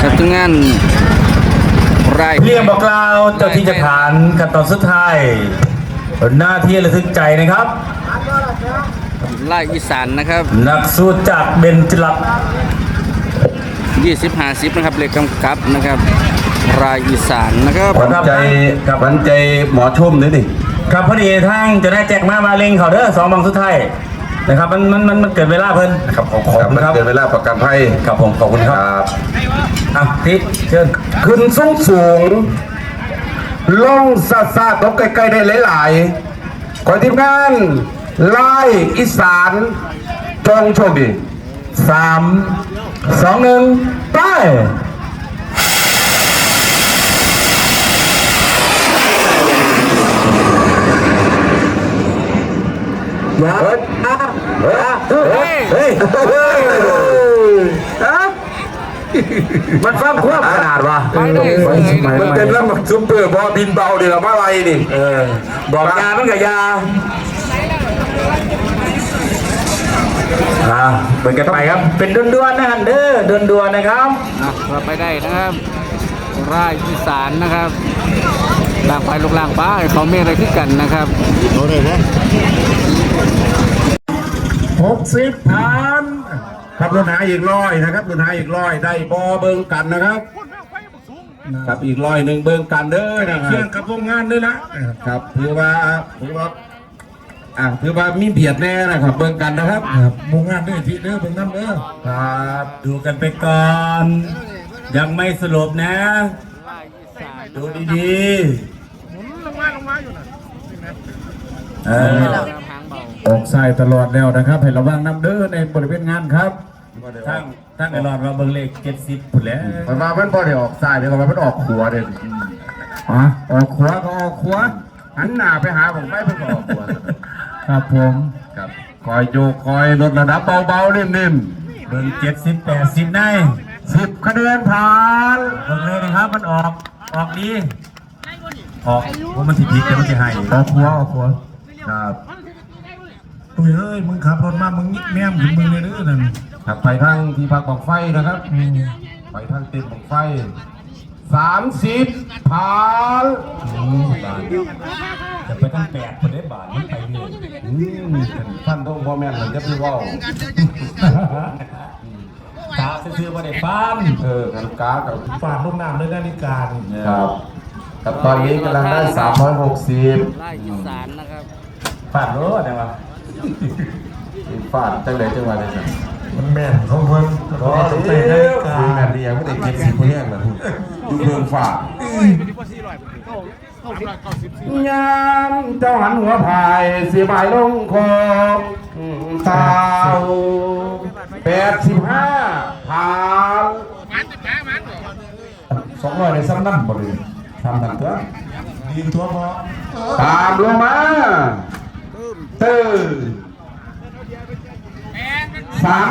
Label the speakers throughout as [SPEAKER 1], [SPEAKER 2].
[SPEAKER 1] กับทุกงานไร่
[SPEAKER 2] เรียงบอกกล่าวเจ้าที่จะฐานขั้นตอนสุดท้ายหน้าที่ระทึกใจนะครับ
[SPEAKER 1] ไร่อีสานนะครับ
[SPEAKER 2] นักสู้จากเบญจลักษณ์
[SPEAKER 1] 20-50นะครับเลขกำกับนะครับไร่อีสานนะครับ
[SPEAKER 3] หวานใจหมอชุ่มนี่ดิ
[SPEAKER 2] ครับพอดีทั้งจะได้แจกมาเล็งเขาเด้อ2 บังสุดท้ายนะครับมันเกิดเวลาเพิ่น
[SPEAKER 3] ครับขอบคุณครับเกิดเวลาประกันภัย
[SPEAKER 2] ครับผมขอบคุณครับที่เชิญ
[SPEAKER 3] ขึ้นสูงลงซาตกใกล้ๆได้หลายๆขอทีมงานไล่อีสานจงโชคดี
[SPEAKER 2] 3 2 1ไปมันฟังควบขนาดวะ
[SPEAKER 3] มันเป็นแล้วมันซุปเปอร์บอบินเบาเดี๋ยวมาอะไรนี่
[SPEAKER 2] บอกยามันกับยาเหมือนกันไปครับเป็นด่วนๆนะครับเด้อด่วนๆนะครับ
[SPEAKER 1] เราไปได้นะครับไร่อีสานนะครับล่างไปลูกล่างป้าเขาเมฆอะไรที่กันนะครับโอ้เลยนะ
[SPEAKER 3] 60 ผ่านครับรถหาอีก100นะครับรถหาอีก100ได้บอเบิ้งกันนะครับครับอีก100เบิ้งกันเด้อนะครับเชื่อกับวงงานด้วยนะครับถือว่ามีเบียดแน่นะครับเบิ้งกันนะครับวงงานด้วยทีเด้อเบิ้งน้ำเด้อ
[SPEAKER 2] ครับดูกันไปก่อนยังไม่สรุปนะดูดีๆลงมาอยู่นะ
[SPEAKER 3] ออกสายตลอดแล้วนะครับให้ระวังน้ำเด้อในบริเวณงานครับ
[SPEAKER 2] ทั้งไอ้รอดเราเบิ่งเลข70พุ่นแล้ว
[SPEAKER 3] มันมามันบ่ได้ออกสายเดี๋ยวมันออกขวาเด้อออกขวาก็ออกขวาหันหน้าไปหาผมไม่เพิ่งออกขวาครับผมครับคอยโยกคอยลดระดับเบาๆนิ่ม
[SPEAKER 2] ๆเบิ่ง70-80ได้
[SPEAKER 3] 10 คะแนนผ่าน
[SPEAKER 2] เบิ่งเลยนะครับมันออกดีออกว่ามันสิผิดแต่มันสิให้
[SPEAKER 3] ออกขวาครับเฮ้ยมึงขับรถมามึงแม่มถึงมึงเลยเด้อนั่นขับไปทางที่พักบังไฟนะครับไปทางติดบังไฟ30 ผ่าน
[SPEAKER 2] จะไปตั้ง8คนได้บาทมันไปเลย
[SPEAKER 3] ท่านต้องพ่อแม่เหมือนจะพี่ว่า
[SPEAKER 2] กาซื้อมาได้ฟัน
[SPEAKER 3] กันกากับ
[SPEAKER 2] ฝากลูกน้ำด้วยนาฬิกา
[SPEAKER 3] ครับกับตอนนี้กำลังได้360
[SPEAKER 1] ไร่อีสานนะครับ
[SPEAKER 2] ฝากรถได้ปะ
[SPEAKER 3] ฟาดจังเลยจังหวะเลยสิ
[SPEAKER 2] มันแม่นของเพิ่น
[SPEAKER 3] ก็เตะได้คือแม่ดีอย่างไม่ได้เก็บสิบคนแรกนะดูเพิ่งฟาดยามเจ้าหันหัวพายเสียบายลงคอเต่า85 ผ่าน200ในซ้ำนั่นบ่เลยทำทันตัวยิงตัวพอตามลงมาตื้อ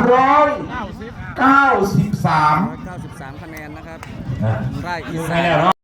[SPEAKER 3] 393
[SPEAKER 1] คะแนนนะครับไร่อีสาน